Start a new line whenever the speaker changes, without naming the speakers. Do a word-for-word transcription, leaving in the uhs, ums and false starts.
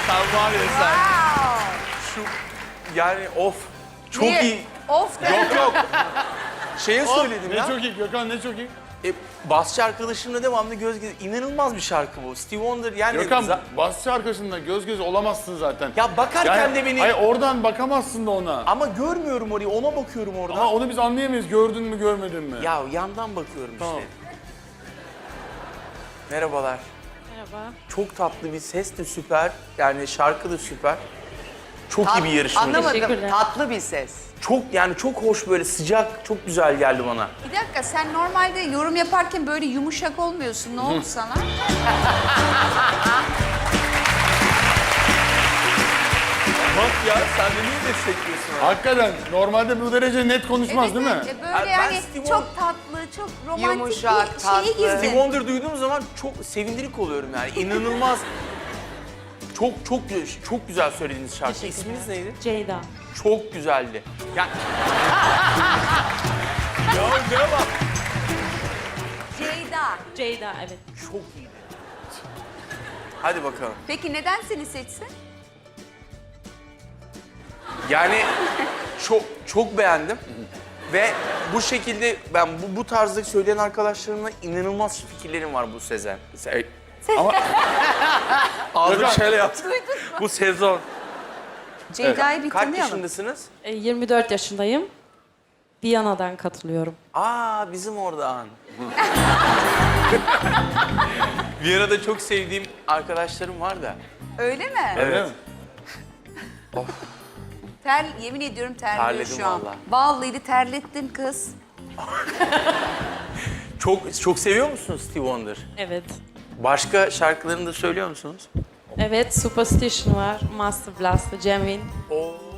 Sen var ya sen.
Wow.
Şu yani of. Çok
Niye?
iyi.
Of de.
Yok yok. Şeye söyledim
Ne
ya.
çok iyi Gökhan, ne çok iyi.
E, basçı arkadaşımla devamlı göz göz. İnanılmaz bir şarkı bu. Steve Wonder yani.
Gökhan,
za-
basçı arkasında göz göz olamazsın zaten.
Ya bakarken de beni.
Hayır, oradan bakamazsın da ona.
Ama görmüyorum orayı. Ona bakıyorum oradan.
Ama onu biz anlayamayız. Gördün mü, görmedin mi?
Ya yandan bakıyorum
Tamam.
işte. Merhabalar.
Merhaba.
Çok tatlı bir ses de süper. Yani şarkı da süper. Çok
Tat-
iyi bir yarışmacı.
Anlamadım.
Teşekkürler.
Tatlı bir ses.
Çok yani çok hoş böyle sıcak, çok güzel geldi bana.
Bir dakika, sen normalde yorum yaparken böyle yumuşak olmuyorsun. Ne oldu sana?
Bak ya sen de niye destekliyorsun abi?
Hakikaten normalde bu derece net konuşmaz değil mi?
evet, e,
Abi
Böyle
ben
yani
Steve
çok tatlı, çok romantik
Yumuşak,
bir
tatlı.
şeye
Steve
girdin.
Wonder duyduğum zaman çok sevindirik oluyorum yani. İnanılmaz. Çok çok çok güzel söylediğiniz şarkı.
Teşekkürler.
İsminiz neydi?
Ceyda.
Çok güzeldi. Yani... ya ne bak.
Ceyda.
Ceyda, evet.
Çok iyiydi. Hadi bakalım.
Peki neden seni seçsin?
Yani çok çok beğendim. Ve bu şekilde ben bu, bu tarzda söyleyen arkadaşlarımla inanılmaz fikirlerim var bu Sezen. Se
Ama
Ağzım
Gökhan.
şöyle yaptı. Bu sezon.
Ceyda'yı bir
Kaç
tanıyalım.
yaşındasınız?
E, yirmi dört yaşındayım. Viyana'dan katılıyorum.
Aa bizim oradan. Viyana'da çok sevdiğim arkadaşlarım var da.
Öyle mi?
öyle mi?
Ter, yemin ediyorum terliyor
Terledim
şu an.
vallahi.
Vallahi de terlettin kız.
Çok çok seviyor musunuz Steve Wonder?
Evet.
Başka şarkılarını da söylüyor musunuz?
Evet, Superstition var, Master Blast, Genuine.
Oo.